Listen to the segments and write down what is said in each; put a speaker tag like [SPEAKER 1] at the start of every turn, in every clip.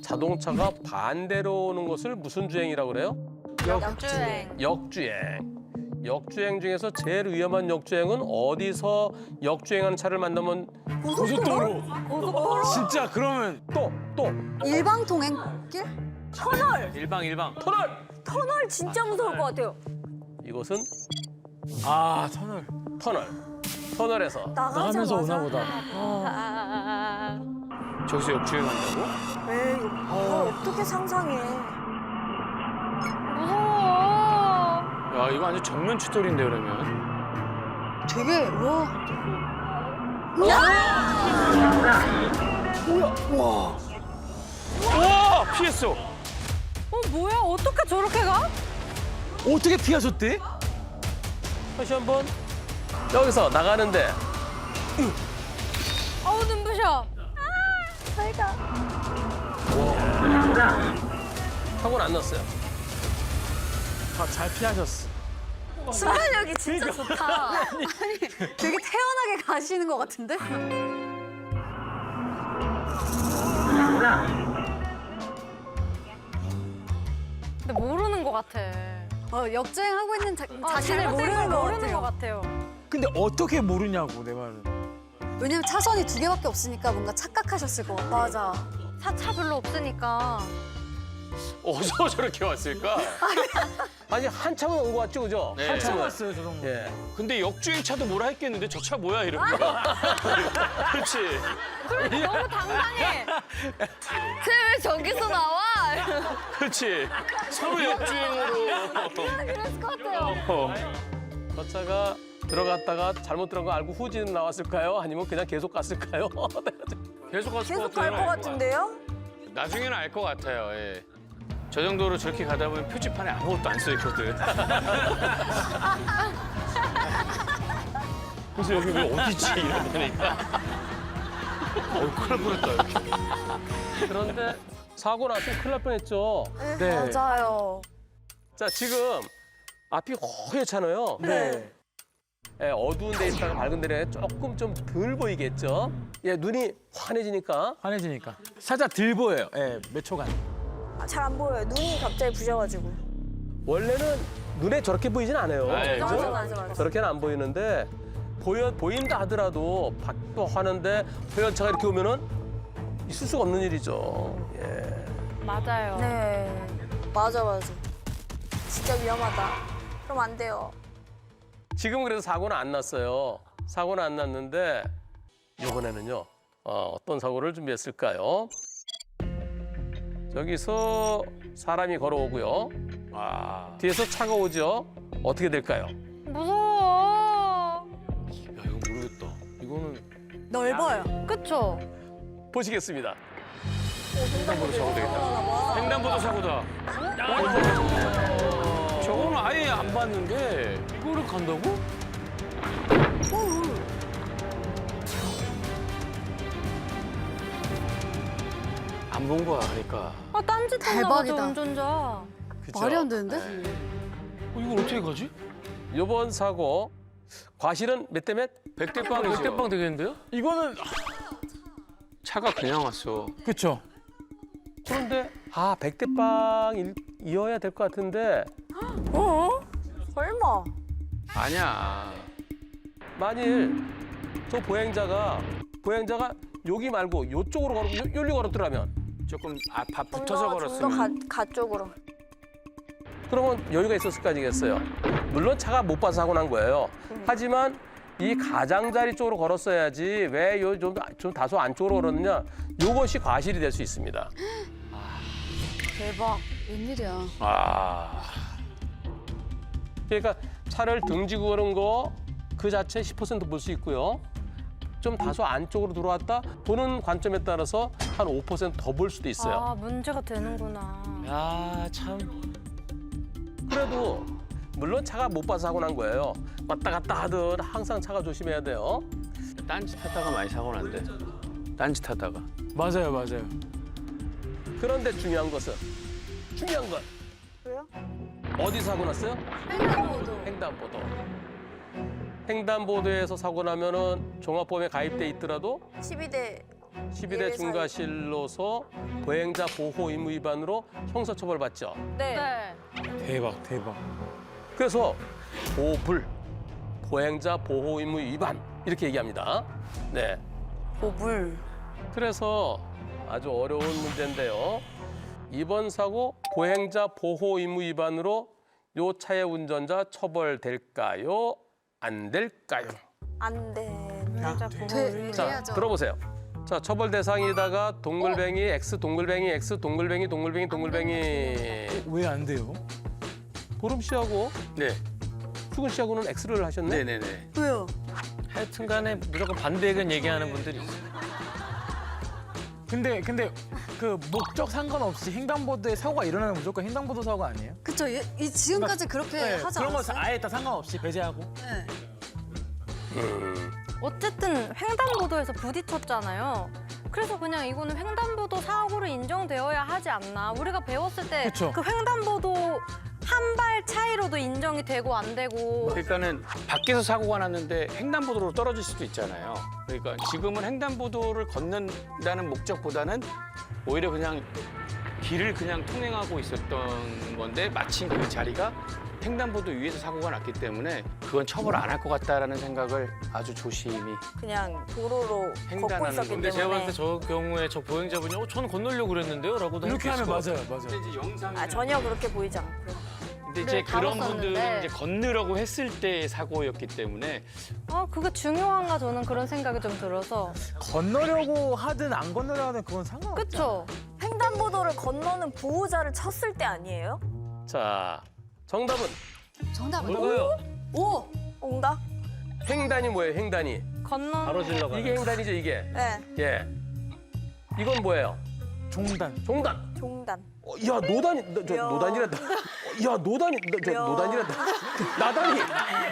[SPEAKER 1] 자동차가 반대로 오는 것을 무슨 주행이라고 그래요?
[SPEAKER 2] 역주행.
[SPEAKER 1] 역주행. 역주행 중에서 제일 위험한 역주행은 어디서 역주행하는 차를 만나면
[SPEAKER 3] 고속도로. 진짜 그러면
[SPEAKER 1] 또
[SPEAKER 4] 일방 통행길?
[SPEAKER 3] 일방.
[SPEAKER 2] 터널 진짜 무서울 것 같아요.
[SPEAKER 1] 이것은
[SPEAKER 3] 아 터널.
[SPEAKER 1] 터널에서
[SPEAKER 3] 나가면서 오나 보다. 저기서 역주행한다고?
[SPEAKER 2] 에이, 이걸 어떻게 상상해.
[SPEAKER 5] 무서워.
[SPEAKER 3] 야 이거 완전 정면 추돌인데 그러면.
[SPEAKER 4] 되게 와.
[SPEAKER 3] 와 피했어.
[SPEAKER 5] 뭐야? 어떻게 저렇게 가?
[SPEAKER 3] 어떻게 피하셨대?
[SPEAKER 1] 다시 한번 여기서 나가는데
[SPEAKER 5] 어우 눈부셔.
[SPEAKER 1] 사고는 안 났어요.
[SPEAKER 3] 잘 피하셨어.
[SPEAKER 2] 순발력이 진짜 좋다.
[SPEAKER 4] 되게 태연하게 가시는 것 같은데?
[SPEAKER 5] 근데 모르는 것 같아.
[SPEAKER 4] 역주행하고 있는 자신을
[SPEAKER 5] 잘못된
[SPEAKER 4] 모르는
[SPEAKER 5] 걸
[SPEAKER 4] 것
[SPEAKER 5] 모르는 것
[SPEAKER 4] 같아요.
[SPEAKER 5] 같아요.
[SPEAKER 3] 근데 어떻게 모르냐고 내 말은.
[SPEAKER 4] 왜냐면 차선이 2개밖에 없으니까 뭔가 착각하셨을 것 같아.
[SPEAKER 2] 맞아.
[SPEAKER 5] 차 별로 없으니까.
[SPEAKER 1] 어디서 저렇게 왔을까? 아니 한참은 온 것 같죠, 그죠?
[SPEAKER 3] 네.
[SPEAKER 1] 한참은
[SPEAKER 3] 왔어요 저 정도.
[SPEAKER 1] 예.
[SPEAKER 3] 근데 역주행차도 뭐라 했겠는데 저 차 뭐야 이런 거. 그렇지.
[SPEAKER 5] 너무 당당해.
[SPEAKER 2] 쟤왜 저기서 나와?
[SPEAKER 3] 그렇지. 서로 역주행으로.
[SPEAKER 2] 그랬을 것 같아요.
[SPEAKER 1] 저 차가 들어갔다가 잘못 들어간 거 알고 후진 나왔을까요? 아니면 그냥 계속 갔을까요?
[SPEAKER 3] 계속 갔을
[SPEAKER 2] 계속 갈 것 같은데요?
[SPEAKER 3] 나중에는 알 것 같아요. 예. 저 정도로 저렇게 가다 보면 표지판에 아무것도 안 써 있거든. 그래서 여기 왜 어디지 이러니까. 큰일 날 뻔했다 이렇게.
[SPEAKER 1] 그런데 사고 났으면 큰일 날 뻔했죠.
[SPEAKER 3] 네.
[SPEAKER 2] 맞아요.
[SPEAKER 1] 자, 지금 앞이 허옇잖아요.
[SPEAKER 3] 네.
[SPEAKER 1] 예, 어두운 데 있다가 밝은 데는 조금 좀 덜 보이겠죠? 예, 눈이 환해지니까
[SPEAKER 3] 환해지니까. 살짝 들 보여요. 예, 몇 초간.
[SPEAKER 2] 잘 안 보여요. 눈이 갑자기 부셔가지고.
[SPEAKER 1] 원래는 눈에 저렇게 보이진 않아요.
[SPEAKER 3] 아, 예,
[SPEAKER 1] 그죠?
[SPEAKER 2] 맞아.
[SPEAKER 1] 저렇게는 안 보이는데 보인다 하더라도 밖도 하는데 허연 차가 이렇게 오면은 있을 수가 없는 일이죠. 예.
[SPEAKER 5] 맞아요.
[SPEAKER 2] 네. 맞아. 진짜 위험하다. 그럼 안 돼요.
[SPEAKER 1] 지금 그래서 사고는 안 났어요. 사고는 안 났는데 이번에는요. 어떤 사고를 준비했을까요? 저기서 사람이 걸어오고요. 뒤에서 차가 오죠. 어떻게 될까요?
[SPEAKER 5] 무서워.
[SPEAKER 3] 야, 이거 모르겠다. 이거는
[SPEAKER 2] 넓어요.
[SPEAKER 5] 그쵸?
[SPEAKER 1] 보시겠습니다.
[SPEAKER 3] 횡단보도 사고 되겠다. 횡단보도 사고다. 저거는 아예 안 봤는데 이거를 간다고? 안 본 거야, 그러니까.
[SPEAKER 5] 딴짓했나 보죠,
[SPEAKER 4] 대박이다.
[SPEAKER 5] 운전자.
[SPEAKER 1] 그쵸?
[SPEAKER 4] 말이 안 되는데?
[SPEAKER 3] 이걸 어떻게 가지?
[SPEAKER 1] 이번 사고 과실은 몇 대 몇?
[SPEAKER 3] 100대 빵, 100대 빵 되겠는데요? 이거는 차가 그냥 왔어. 그쵸.
[SPEAKER 1] 그런데 100대 빵이어야 될 것 같은데
[SPEAKER 2] 설마.
[SPEAKER 3] 아니야.
[SPEAKER 1] 만일 저 보행자가 여기 말고 이쪽으로 여기 걸었더라면
[SPEAKER 3] 조금 붙어서
[SPEAKER 2] 좀더
[SPEAKER 3] 걸었으면.
[SPEAKER 2] 가 쪽으로.
[SPEAKER 1] 그러면 여유가 있었을 거 아니겠어요. 물론 차가 못 봐서 사고 난 거예요. 하지만 이 가장자리 쪽으로 걸었어야지 왜 좀 다소 안쪽으로 걸었느냐. 이것이 과실이 될 수 있습니다.
[SPEAKER 2] 대박.
[SPEAKER 4] 웬일이야.
[SPEAKER 1] 그러니까 차를 등지고 걸은 거 그 자체 10% 볼 수 있고요. 좀 다소 안쪽으로 들어왔다 보는 관점에 따라서 한 5% 더 볼 수도 있어요.
[SPEAKER 5] 문제가 되는구나.
[SPEAKER 3] 야, 참.
[SPEAKER 1] 그래도 물론 차가 못 봐서 사고 난 거예요. 왔다 갔다 하든 항상 차가 조심해야 돼요.
[SPEAKER 3] 딴짓 하다가 많이 사고 난대. 딴짓 하다가. 맞아요.
[SPEAKER 1] 그런데 중요한 건
[SPEAKER 2] 왜요?
[SPEAKER 1] 어디 사고 났어요? 횡단보도. 횡단보도에서 사고 나면은 종합보험에 가입돼 있더라도
[SPEAKER 2] 12대
[SPEAKER 1] 12대 중과실로서 보행자 보호 의무 위반으로 형사처벌받죠.
[SPEAKER 2] 네.
[SPEAKER 5] 네.
[SPEAKER 6] 대박 대박.
[SPEAKER 1] 그래서 보불, 보행자 보호 의무 위반 이렇게 얘기합니다. 네.
[SPEAKER 2] 보불.
[SPEAKER 1] 그래서 아주 어려운 문제인데요. 이번 사고 보행자 보호 의무 위반으로 요 차의 운전자 처벌될까요? 안 될까요?
[SPEAKER 2] 안 된다.
[SPEAKER 1] 자,
[SPEAKER 4] 돼야죠.
[SPEAKER 1] 들어보세요. 자, 처벌 대상에다가 동글뱅이 X, 동글뱅이 X, 동글뱅이, 동글뱅이, 동글뱅이.
[SPEAKER 6] 왜 안 돼요?
[SPEAKER 1] 보름 씨하고
[SPEAKER 3] 네.
[SPEAKER 1] 수근 씨하고는 X를 하셨네.
[SPEAKER 3] 네네네.
[SPEAKER 2] 왜요?
[SPEAKER 7] 하여튼간에 무조건 반대 의견 얘기하는 분들이 있어요.
[SPEAKER 6] 근데 그 목적 상관없이 횡단보도에 사고가 일어나면 무조건 횡단보도 사고 아니에요?
[SPEAKER 4] 그쵸. 이 지금까지 그렇게 하지
[SPEAKER 6] 그런 거
[SPEAKER 4] 않았어요?
[SPEAKER 6] 아예 다 상관없이 배제하고.
[SPEAKER 4] 네.
[SPEAKER 5] 어쨌든 횡단보도에서 부딪혔잖아요. 그래서 그냥 이거는 횡단보도 사고로 인정되어야 하지 않나. 우리가 배웠을 때
[SPEAKER 6] 그쵸.
[SPEAKER 5] 그 횡단보도 한 발 차이로도 인정이 되고 안 되고.
[SPEAKER 3] 그러니까는 밖에서 사고가 났는데 횡단보도로 떨어질 수도 있잖아요. 그러니까 지금은 횡단보도를 건넌다는 목적보다는 오히려 그냥 길을 그냥 통행하고 있었던 건데 마침 그 자리가 횡단보도 위에서 사고가 났기 때문에 그건 처벌 안 할 것 같다라는 생각을 아주 조심히.
[SPEAKER 2] 그냥 도로로 걷고
[SPEAKER 3] 횡단하는
[SPEAKER 2] 있었기
[SPEAKER 3] 건데
[SPEAKER 7] 근데 제가 봤을
[SPEAKER 2] 때문에.
[SPEAKER 7] 때 저 경우에 저 보행자분이 저는 건너려고 그랬는데요? 라고도
[SPEAKER 6] 이렇게
[SPEAKER 7] 할 수
[SPEAKER 6] 하면
[SPEAKER 7] 있을 것
[SPEAKER 6] 맞아요, 맞아요.
[SPEAKER 3] 이제 영상.
[SPEAKER 2] 아, 전혀 그렇게 보이지 않고요.
[SPEAKER 3] 근데 이제
[SPEAKER 5] 네,
[SPEAKER 3] 그런
[SPEAKER 5] 다뤘었는데.
[SPEAKER 3] 분들은 이제 건너려고 했을 때 사고였기 때문에
[SPEAKER 5] 그게 중요한가 저는 그런 생각이 좀 들어서.
[SPEAKER 6] 건너려고 하든 안 건너려고 하든 그건 상관없죠.
[SPEAKER 5] 그쵸?
[SPEAKER 2] 횡단보도를 건너는 보호자를 쳤을 때 아니에요?
[SPEAKER 1] 자, 정답은
[SPEAKER 4] 정답은
[SPEAKER 7] 뭘까요?
[SPEAKER 4] 오!
[SPEAKER 2] 온다?
[SPEAKER 1] 횡단이 뭐예요? 횡단이.
[SPEAKER 5] 건너.
[SPEAKER 7] 바로 질러가요.
[SPEAKER 1] 이게 횡단이죠, 이게.
[SPEAKER 2] 네.
[SPEAKER 1] 예. 이건 뭐예요?
[SPEAKER 6] 종단.
[SPEAKER 1] 종단.
[SPEAKER 2] 종단.
[SPEAKER 1] 야, 노단이, 저
[SPEAKER 2] 야.
[SPEAKER 1] 노단이란다. 야, 노단이, 저
[SPEAKER 2] 야.
[SPEAKER 1] 노단이란다. 나단이,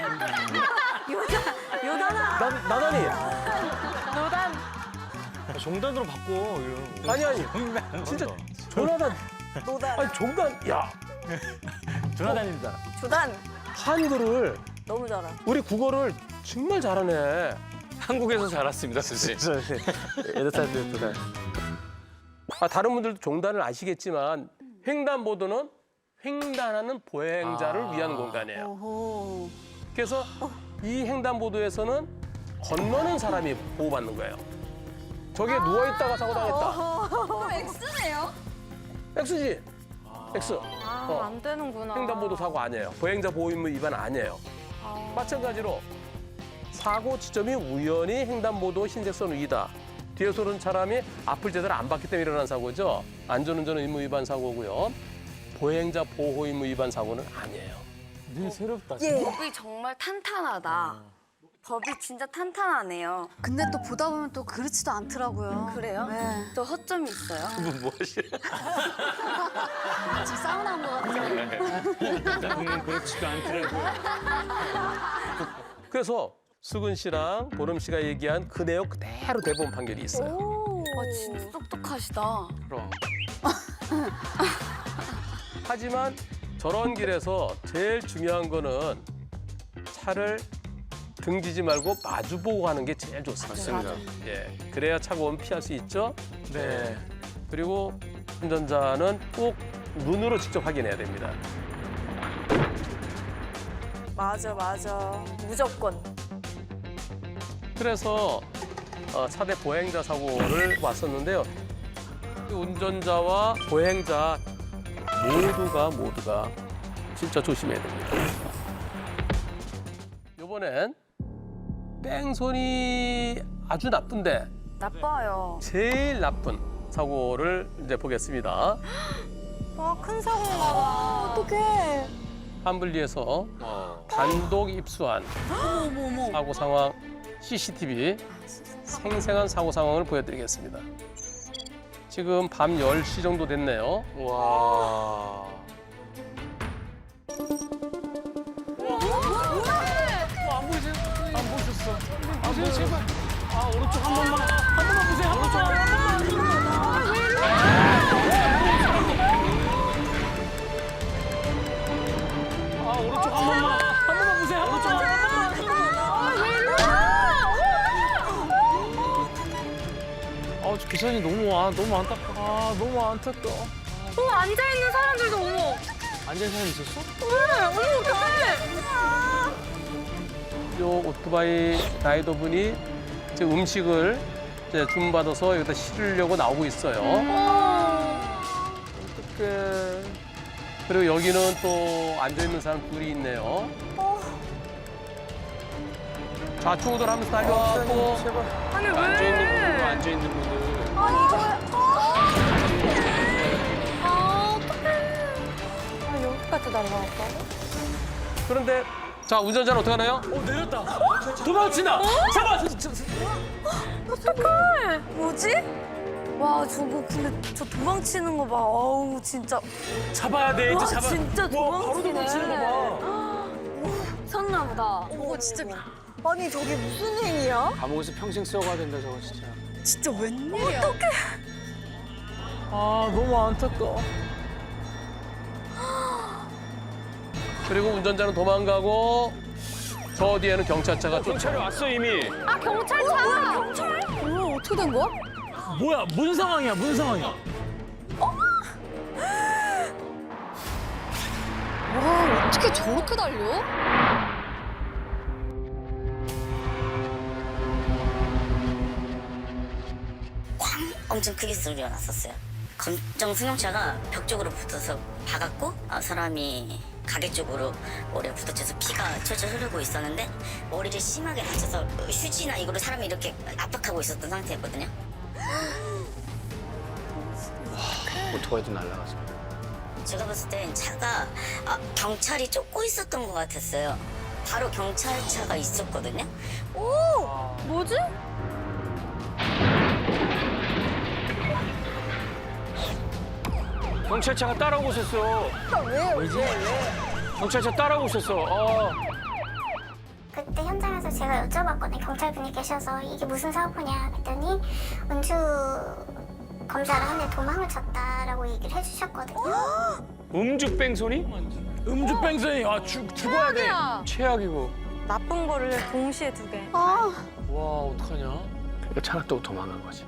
[SPEAKER 2] 요단아.
[SPEAKER 1] 나단이.
[SPEAKER 2] 요단.
[SPEAKER 7] 종단으로 바꿔. 이런.
[SPEAKER 1] 아니. 진짜 조나단.
[SPEAKER 2] 노단.
[SPEAKER 1] 아니, 종단. 야,
[SPEAKER 6] 조나단입니다.
[SPEAKER 2] 조단.
[SPEAKER 1] 한글을,
[SPEAKER 2] 너무 잘하.
[SPEAKER 1] 우리 국어를 정말 잘하네.
[SPEAKER 3] 한국에서 자랐습니다, 선생님.
[SPEAKER 1] 여덟 살 때부터. 다른 분들도 종단을 아시겠지만 횡단보도는 횡단하는 보행자를 위한 공간이에요.
[SPEAKER 4] 오호.
[SPEAKER 1] 그래서 이 횡단보도에서는 건너는 사람이 보호받는 거예요. 저기에 누워있다가 사고 당했다.
[SPEAKER 4] X네요?
[SPEAKER 1] X지? X.
[SPEAKER 5] 안 되는구나.
[SPEAKER 1] 횡단보도 사고 아니에요. 보행자 보호 의무 위반 아니에요. 마찬가지로 사고 지점이 우연히 횡단보도 흰색선 위다. 뒤에서 오는 사람이 앞을 제대로 안 봤기 때문에 일어난 사고죠. 안전운전 의무 위반 사고고요. 보행자 보호 의무 위반 사고는 아니에요.
[SPEAKER 6] 늘 새롭다.
[SPEAKER 2] 예.
[SPEAKER 8] 법이 정말 탄탄하다. 법이 진짜 탄탄하네요.
[SPEAKER 4] 근데 또 보다 보면 또 그렇지도 않더라고요.
[SPEAKER 8] 그래요?
[SPEAKER 4] 네.
[SPEAKER 8] 또 허점이 있어요.
[SPEAKER 3] 뭐 하시는?
[SPEAKER 4] 지금 사우나 한 것 같아요.
[SPEAKER 3] 그렇지가 않더라고요.
[SPEAKER 1] 그래서 수근 씨랑 보름 씨가 얘기한 그 내용 그대로 대법원 판결이 있어요.
[SPEAKER 8] 와 진짜 똑똑하시다.
[SPEAKER 3] 그럼.
[SPEAKER 1] 하지만 저런 길에서 제일 중요한 거는 차를 등지지 말고 마주보고 하는 게 제일 좋습니다.
[SPEAKER 3] 맞습니다.
[SPEAKER 1] 예, 그래야 차가 오면 피할 수 있죠.
[SPEAKER 6] 네.
[SPEAKER 1] 그리고 운전자는 꼭 눈으로 직접 확인해야 됩니다.
[SPEAKER 2] 맞아. 무조건.
[SPEAKER 1] 그래서 차대 보행자 사고를 왔었는데요. 운전자와 보행자 모두가 진짜 조심해야 됩니다. 이번엔 뺑소니 아주 나쁜데
[SPEAKER 2] 나빠요.
[SPEAKER 1] 제일 나쁜 사고를 이제 보겠습니다.
[SPEAKER 5] 큰 사고인가 봐.
[SPEAKER 2] 어떡해.
[SPEAKER 1] 한블리에서 단독 입수한 사고 상황 CCTV 생생한 사고 상황을 보여드리겠습니다. 지금 밤 10시 정도 됐네요.
[SPEAKER 3] 와.
[SPEAKER 6] 안타까워.
[SPEAKER 5] 앉아 있는 사람들도 어머.
[SPEAKER 7] 앉은 사람 있었어?
[SPEAKER 5] 어머 어떡해.
[SPEAKER 1] 요 오토바이 라이더분이 이제 음식을 이제 주문받아서 여기다 실으려고 나오고 있어요. 어떡해. 그리고 여기는 또 앉아있는 사람 둘이 있네요. 좌충우돌 하면서 달려왔고.
[SPEAKER 5] 아니 왜?
[SPEAKER 3] 앉아 있는 분들.
[SPEAKER 5] 아 어떡해. 아 여기까지 날라왔다고?
[SPEAKER 1] 그런데 자 운전자는 어떻게 하나요?
[SPEAKER 6] 내렸다. 도망친다. 잡아.
[SPEAKER 2] 뭐지? 와 저거 근데 저 도망치는 거 봐. 어우 진짜.
[SPEAKER 6] 잡아야 돼.
[SPEAKER 2] 와
[SPEAKER 6] 이제 잡아.
[SPEAKER 2] 진짜
[SPEAKER 6] 와, 바로
[SPEAKER 2] 도망치네.
[SPEAKER 6] 도망치는 거 봐.
[SPEAKER 2] 섰나 보다.
[SPEAKER 4] 저거 진짜
[SPEAKER 2] 아니 저게 무슨 행위야?
[SPEAKER 3] 감옥에서 평생 썩어야 된다 저거 진짜.
[SPEAKER 4] 진짜 웬일이야.
[SPEAKER 6] 아 너무 안타까워.
[SPEAKER 1] 그리고 운전자는 도망가고 저 뒤에는 경찰차가 쫓아.
[SPEAKER 3] 경찰이 왔어 이미.
[SPEAKER 5] 아 경찰차. 경찰?
[SPEAKER 4] 뭐야 어떻게 된 거야?
[SPEAKER 6] 뭐야 무슨 상황이야? 무슨 상황이야?
[SPEAKER 4] 와 어떻게 저렇게 달려?
[SPEAKER 9] 엄청 크게 소리가 났었어요. 검정 승용차가 벽 쪽으로 붙어서 박았고 사람이 가게 쪽으로 머리에 부딪혀서 피가 철철 흐르고 있었는데 머리를 심하게 다쳐서 휴지나 이걸로 사람을 이렇게 압박하고 있었던 상태였거든요.
[SPEAKER 3] 오토바이도 날라가서.
[SPEAKER 9] 제가 봤을 땐 차가 경찰이 쫓고 있었던 것 같았어요. 바로 경찰차가 있었거든요.
[SPEAKER 5] 뭐지?
[SPEAKER 3] 경찰차가 따라오고 있었어. 경찰차 따라오고 있었어.
[SPEAKER 10] 그때 현장에서 제가 여쭤봤거든요. 경찰분이 계셔서 이게 무슨 사고냐 그랬더니 음주 검사를 하는데 도망을 쳤다라고 얘기를 해주셨거든요.
[SPEAKER 3] 음주 뺑소니?
[SPEAKER 6] 음주 뺑소니. 아 죽어야 돼.
[SPEAKER 3] 최악이고.
[SPEAKER 5] 나쁜 거를 동시에 두 개.
[SPEAKER 7] 와 어떡하냐?
[SPEAKER 3] 그러니까 차가 또 도망간 거지.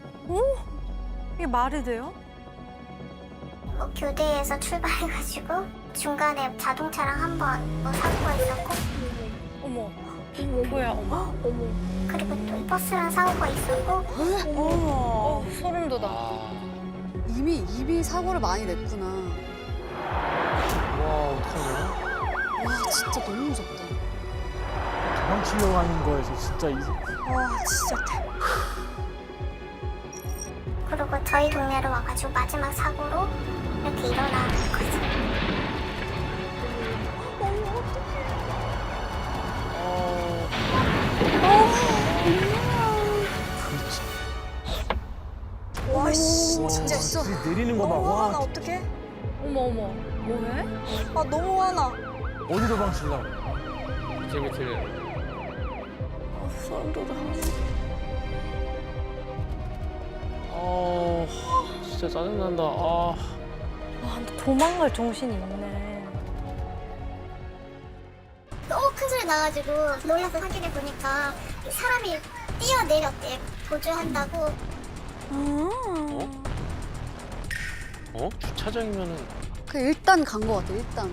[SPEAKER 5] 이게 말이 돼요?
[SPEAKER 10] 뭐 교대에서 출발해가지고 중간에 자동차랑 한번 뭐 사고가 있었고
[SPEAKER 5] 어머. 뭐야 어머.
[SPEAKER 10] 그리고 또 버스랑 사고가 있었고
[SPEAKER 5] 소름 돋아.
[SPEAKER 4] 이미 사고를 많이 냈구나.
[SPEAKER 7] 와 어떡하냐?
[SPEAKER 4] 와 진짜 너무 무섭다.
[SPEAKER 6] 도망치려고 하는 거에서 진짜
[SPEAKER 2] 와 진짜.
[SPEAKER 10] 그리고 저희 동네로 와가지고 마지막 사고로 이렇게 일어나는 거죠.
[SPEAKER 2] 와씨 진짜 있어.
[SPEAKER 6] 내리는 거 봐.
[SPEAKER 2] 너무 화나
[SPEAKER 6] 와
[SPEAKER 2] 어떡해?
[SPEAKER 5] 어머 뭐해?
[SPEAKER 2] 아 너무 화나.
[SPEAKER 6] 어디 도망치려고?
[SPEAKER 3] 재밌게.
[SPEAKER 2] 소름 돋아.
[SPEAKER 7] 진짜 짜증난다. 아.
[SPEAKER 5] 와 근데 도망갈 정신이 있네.
[SPEAKER 10] 너무 큰 소리 나가지고 놀라서 확인해 보니까 사람이 뛰어내렸대. 도주한다고.
[SPEAKER 3] 주차장이면은
[SPEAKER 4] 그 일단 간 거 같아 일단.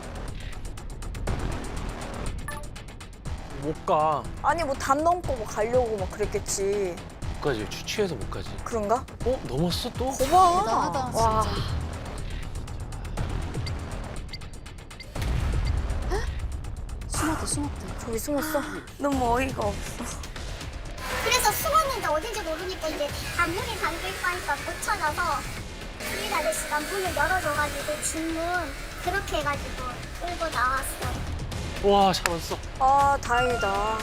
[SPEAKER 6] 못 가.
[SPEAKER 2] 아니 뭐 담 넘고 뭐 가려고 막 그랬겠지.
[SPEAKER 3] 못 가지. 취해서 못 가지.
[SPEAKER 2] 그런가?
[SPEAKER 3] 넘었어 또?
[SPEAKER 2] 거봐.
[SPEAKER 4] 대단하다
[SPEAKER 5] 와.
[SPEAKER 4] 진짜. 숨었대.
[SPEAKER 2] 저기 숨었어? 너무 어이가 없어.
[SPEAKER 10] 그래서 숨었는데 어딘지 모르니까 이제 앞문이 잠겨있고 하니까 못 찾아서 주인 아저씨가 문을 열어줘가지고 뒷문 그렇게 해가지고 끌고 나왔어요.
[SPEAKER 7] 와 잡았어.
[SPEAKER 2] 아 다행이다.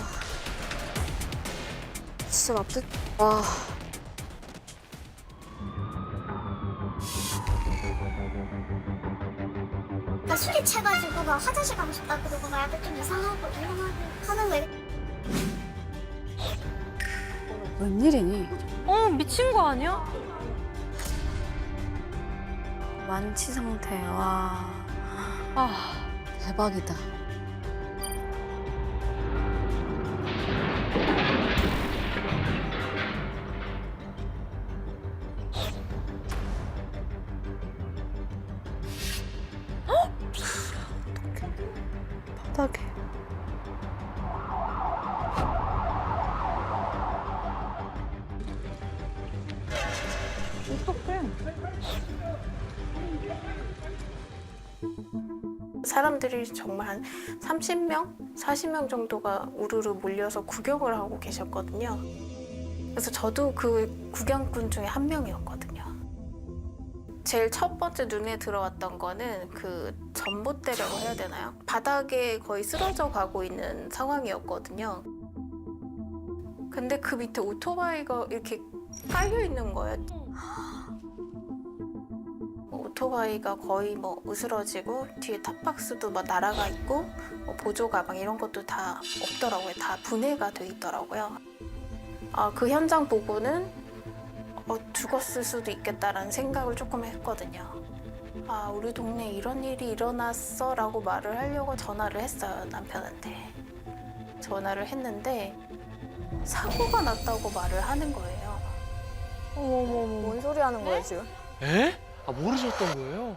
[SPEAKER 2] 진짜 나쁘. 와.
[SPEAKER 10] 그러니까 술이 채가지고 막 화장실 가고 싶다 그러고 막 약간 좀 이상하고 하는 거예요.
[SPEAKER 4] 웬일이니?
[SPEAKER 5] 미친 거 아니야?
[SPEAKER 2] 만취 상태. 와.
[SPEAKER 4] 대박이다.
[SPEAKER 2] 바닥에.
[SPEAKER 11] 사람들이 정말 한 30명, 40명 정도가 우르르 몰려서 구경을 하고 계셨거든요. 그래서 저도 그 구경꾼 중에 한 명이었거든요. 제일 첫 번째 눈에 들어왔던 거는 그 전봇대라고 해야 되나요? 바닥에 거의 쓰러져 가고 있는 상황이었거든요. 근데 그 밑에 오토바이가 이렇게 깔려 있는 거예요. 오토바이가 거의 뭐 으스러지고 뒤에 탑박스도 막 날아가 있고 보조 가방 이런 것도 다 없더라고요. 다 분해가 돼 있더라고요. 그 현장 보고는 죽었을 수도 있겠다라는 생각을 조금 했거든요. 우리 동네에 이런 일이 일어났어 라고 말을 하려고 전화를 했어요, 남편한테. 전화를 했는데 사고가 났다고 말을 하는 거예요.
[SPEAKER 2] 어머머머. 뭔 소리 하는 거야, 지금?
[SPEAKER 7] 에? 아 모르셨던 거예요?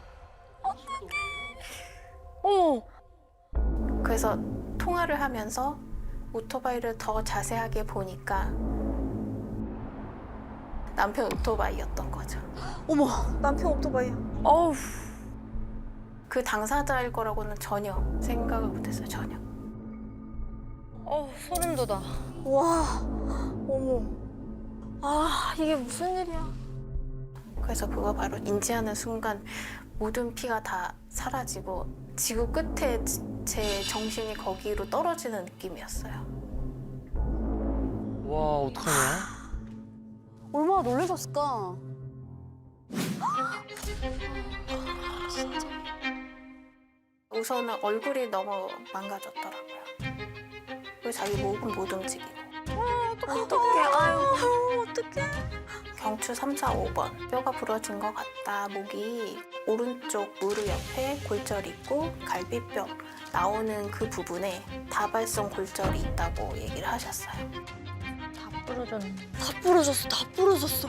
[SPEAKER 2] 어머.
[SPEAKER 11] 그래서 통화를 하면서 오토바이를 더 자세하게 보니까 남편 오토바이였던 거죠.
[SPEAKER 2] 어머, 남편 오토바이야. 어우.
[SPEAKER 11] 그 당사자일 거라고는 전혀 생각을 못했어요, 전혀.
[SPEAKER 5] 소름 돋아.
[SPEAKER 2] 와. 어머. 이게 무슨 일이야.
[SPEAKER 11] 그래서 그거 바로 인지하는 순간 모든 피가 다 사라지고 지구 끝에 제 정신이 거기로 떨어지는 느낌이었어요.
[SPEAKER 7] 와 어떡하냐?
[SPEAKER 4] 얼마나 놀라셨을까?
[SPEAKER 11] 우선은 얼굴이 너무 망가졌더라고요. 그리고 자기 목은 못 움직이고.
[SPEAKER 2] 어떡해. 아유, 어떡해.
[SPEAKER 11] 경추 3, 4, 5번. 뼈가 부러진 것 같다. 목이 오른쪽 무릎 옆에 골절이 있고 갈비뼈 나오는 그 부분에 다발성 골절이 있다고 얘기를 하셨어요.
[SPEAKER 5] 다 부러졌네.
[SPEAKER 2] 다 부러졌어, 다 부러졌어.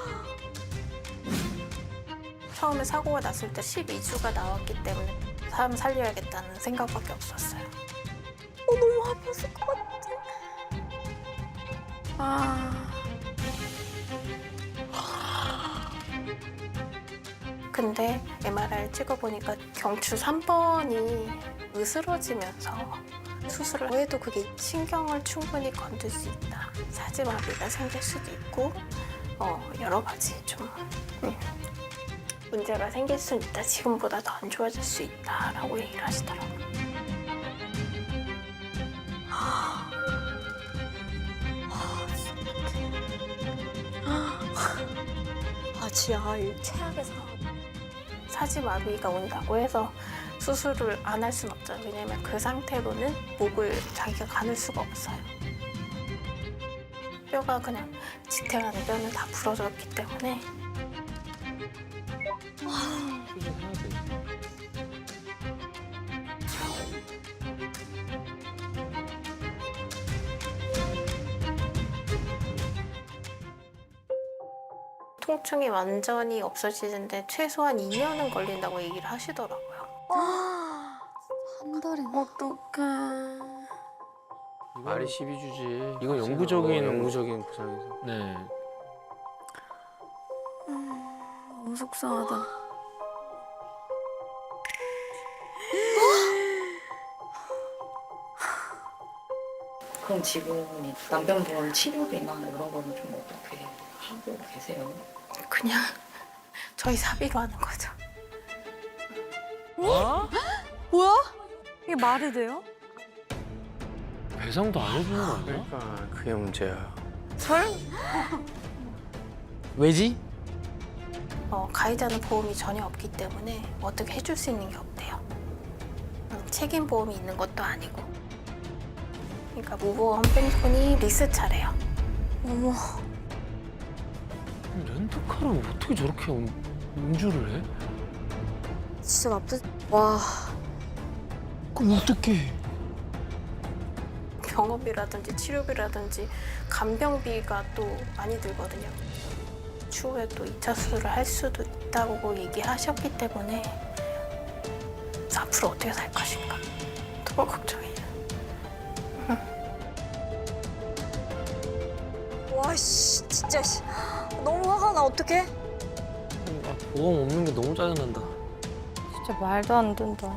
[SPEAKER 11] 처음에 사고가 났을 때 12주가 나왔기 때문에 사람 살려야겠다는 생각밖에 없었어요.
[SPEAKER 2] 너무 아팠을 것 같아.
[SPEAKER 11] 근데 MRI를 찍어보니까 경추 3번이 으스러지면서 수술을 해도 그게 신경을 충분히 건들 수 있다. 사지마비가 생길 수도 있고 여러 가지 좀 문제가 생길 수 있다. 지금보다 더 안 좋아질 수 있다라고 얘기를 하시더라고요.
[SPEAKER 2] 진짜 이 최악의 상황.
[SPEAKER 11] 사지마비가 온다고 해서 수술을 안 할 수는 없죠. 왜냐면 그 상태로는 목을 자기가 가눌 수가 없어요. 뼈가 그냥 지탱하는 뼈는 다 부러졌기 때문에
[SPEAKER 7] 수술해야 돼.
[SPEAKER 11] 통증이 완전히 없어지는데 최소한 2년은 걸린다고 얘기를 하시더라고요.
[SPEAKER 4] 한 달이나.
[SPEAKER 2] 어떡해.
[SPEAKER 3] 말이 12주지.
[SPEAKER 7] 이건 영구적인
[SPEAKER 3] 영구적인 부상이죠.
[SPEAKER 7] 네.
[SPEAKER 2] 너무 속상하다.
[SPEAKER 12] 그럼 지금 남편분 치료비나 이런 거는 좀 어떻게 하고 계세요?
[SPEAKER 11] 그냥 저희 사비로 하는 거죠.
[SPEAKER 7] 어?
[SPEAKER 2] 뭐야?
[SPEAKER 5] 이게 말이 돼요?
[SPEAKER 7] 배상도 안 해주는 거 아니야?
[SPEAKER 3] 그러니까 그게 문제야.
[SPEAKER 7] 왜지?
[SPEAKER 11] 가해자는 보험이 전혀 없기 때문에 어떻게 해줄 수 있는 게 없대요. 책임 보험이 있는 것도 아니고. 그러니까 무보험 뺑소니 리스 차래요.
[SPEAKER 2] 어머.
[SPEAKER 7] 렌트카를 어떻게 저렇게 운주를 해?
[SPEAKER 2] 진짜 나쁘. 와.
[SPEAKER 7] 그럼 어떡해?
[SPEAKER 11] 병원비라든지 치료비라든지 간병비가 또 많이 들거든요. 추후에 또 2차 수술을 할 수도 있다고 얘기하셨기 때문에 앞으로 어떻게 살 것인가 너무 걱정이야.
[SPEAKER 2] 와씨 진짜 씨. 너무 화가 나 어떡해?
[SPEAKER 7] 보험 없는 게 너무 짜증난다.
[SPEAKER 5] 진짜 말도 안 된다.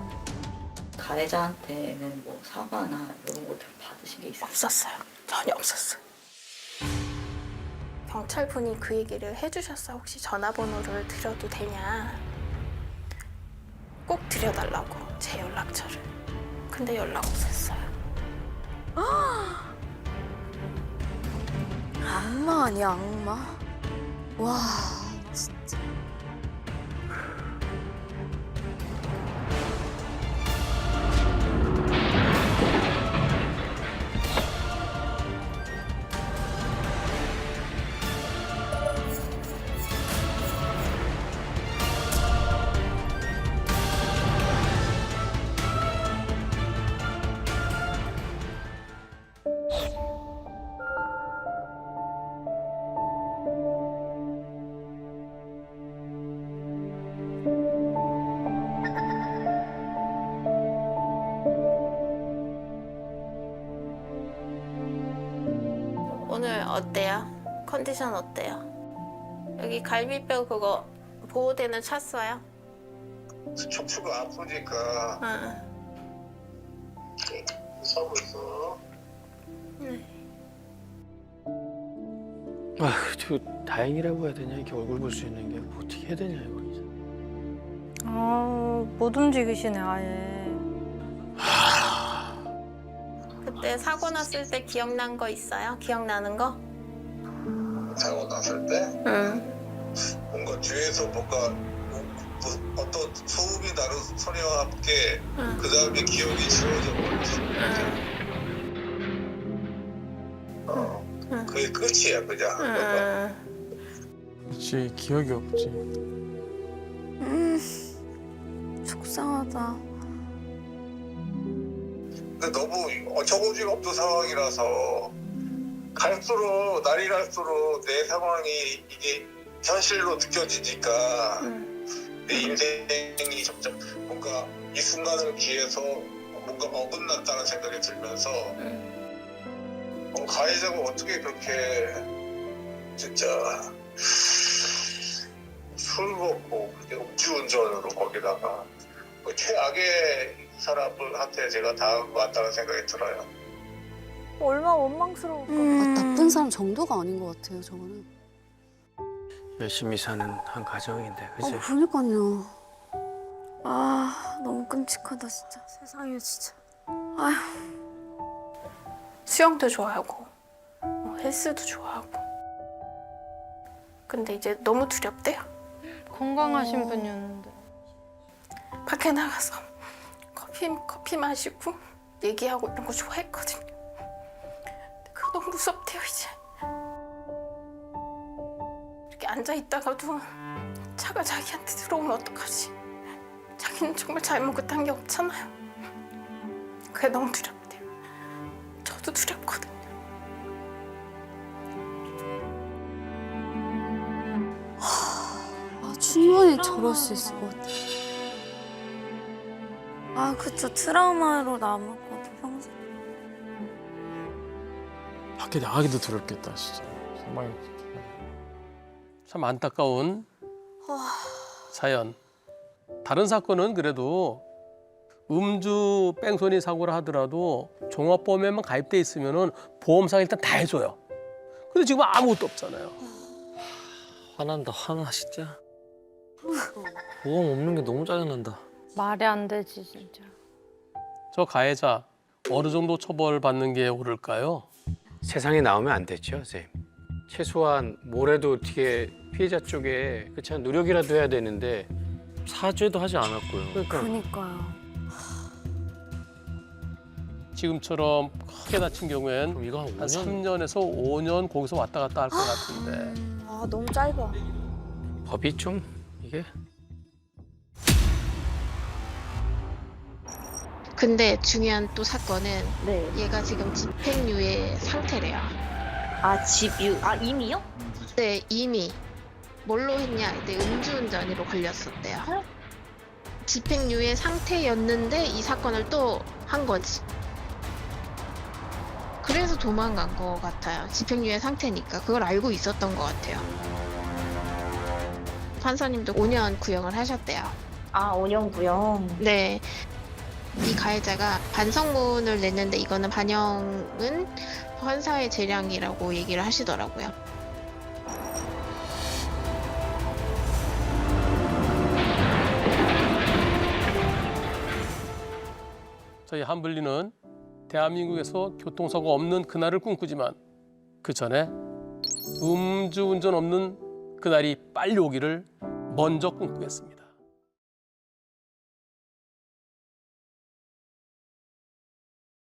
[SPEAKER 12] 가해자한테는 뭐 사과나 이런 것들 받으신 게 있어요?
[SPEAKER 11] 없었어요. 전혀 없었어요. 경찰분이 그 얘기를 해주셨어요. 혹시 전화번호를 드려도 되냐. 꼭 드려달라고, 제 연락처를. 근데 연락 없었어요.
[SPEAKER 2] 악마 아니야 악마? 와 진짜.
[SPEAKER 11] 오늘 어때요? 컨디션 어때요? 여기 갈비뼈 그거 보호대는 찼어요?
[SPEAKER 13] 척추가 아프니까
[SPEAKER 11] 응.
[SPEAKER 13] 서고 있어.
[SPEAKER 3] 저 다행이라고 해야 되냐? 이렇게 얼굴 볼 수 있는 게 뭐 어떻게 해야 되냐 이거 이제.
[SPEAKER 5] 못 움직이시네 아예.
[SPEAKER 11] 그때 사고 났을 때 기억난 거 있어요? 기억나는 거?
[SPEAKER 13] 사고 났을 때
[SPEAKER 11] 응.
[SPEAKER 13] 뭔가 뒤에서 뭔가 어떤 소음이 나는 소리와 함께 그 다음에 기억이 지워져 버렸어. 그게 끝이야 그냥.
[SPEAKER 6] 그렇지 기억이 없지.
[SPEAKER 2] 속상하다.
[SPEAKER 13] 근데 너무 어처구니가 없는 상황이라서 갈수록 날이 갈수록 내 상황이 이게 현실로 느껴지니까 내 인생이 점점 뭔가 이 순간을 기해서 뭔가 어긋났다는 생각이 들면서 가해자가 어떻게 그렇게 진짜 술 먹고 음주운전으로 거기다가 뭐 최악의 사람들한테 제가 당한 것 같다는 생각이 들어요.
[SPEAKER 2] 얼마나 원망스러울까.
[SPEAKER 4] 나쁜 사람 정도가 아닌 것 같아요, 저거는.
[SPEAKER 3] 열심히 사는 한 가정인데, 그지?
[SPEAKER 2] 그러니까요. 아 너무 끔찍하다 진짜. 세상에 진짜. 아휴.
[SPEAKER 11] 수영도 좋아하고 헬스도 좋아하고. 근데 이제 너무 두렵대요.
[SPEAKER 5] 건강하신 분이었는데.
[SPEAKER 11] 밖에 나가서 커피 마시고 얘기하고 이런 거 좋아했거든요. 근데 그거 너무 무섭대요 이제. 이렇게 앉아 있다가도 차가 자기한테 들어오면 어떡하지? 자기는 정말 잘못한 게 없잖아요. 그게 너무 두렵대요. 저도 두렵거든요.
[SPEAKER 4] 충분히 저럴 수 있을 것 같아.
[SPEAKER 2] 아 그쵸 트라우마로 남을 것 같아 평생.
[SPEAKER 6] 밖에 나가기도 두렵겠다 진짜. 정말.
[SPEAKER 1] 참 안타까운 사연. 다른 사건은 그래도 음주 뺑소니 사고를 하더라도 종합보험에만 가입돼 있으면은 보험사가 일단 다 해줘요. 근데 지금 아무것도 없잖아요.
[SPEAKER 7] 화난다 화나 진짜. 보험 없는 게 너무 짜증난다.
[SPEAKER 5] 말이 안 되지 진짜.
[SPEAKER 1] 저 가해자 어느 정도 처벌받는 게 옳을까요?
[SPEAKER 3] 세상에 나오면 안 되죠, 선생님. 최소한 뭐래도 어떻게 피해자 쪽에 그렇지 노력이라도 해야 되는데
[SPEAKER 7] 사죄도 하지 않았고요.
[SPEAKER 2] 그러니까요.
[SPEAKER 1] 지금처럼 크게 다친 경우엔
[SPEAKER 7] 그럼 이거 한
[SPEAKER 1] 한
[SPEAKER 7] 5년
[SPEAKER 1] 3년에서 5년 거기서 왔다 갔다 할 것 같은데.
[SPEAKER 2] 아 너무 짧아.
[SPEAKER 3] 법이 좀 이게
[SPEAKER 11] 근데 중요한 또 사건은 얘가 지금 집행유예 상태래요.
[SPEAKER 8] 아 집유 아 이미요?
[SPEAKER 11] 네, 이미 뭘로 했냐? 이때 음주운전으로 걸렸었대요. 집행유예 상태였는데 이 사건을 또 한 거지. 그래서 도망간 것 같아요. 집행유예 상태니까 그걸 알고 있었던 것 같아요. 판사님도 5년 구형을 하셨대요.
[SPEAKER 8] 아, 5년 구형.
[SPEAKER 11] 네. 이 가해자가 반성문을 냈는데 이거는 반영은 판사의 재량이라고 얘기를 하시더라고요.
[SPEAKER 1] 저희 한블리는 대한민국에서 교통사고 없는 그날을 꿈꾸지만 그 전에 음주운전 없는 그날이 빨리 오기를 먼저 꿈꾸겠습니다.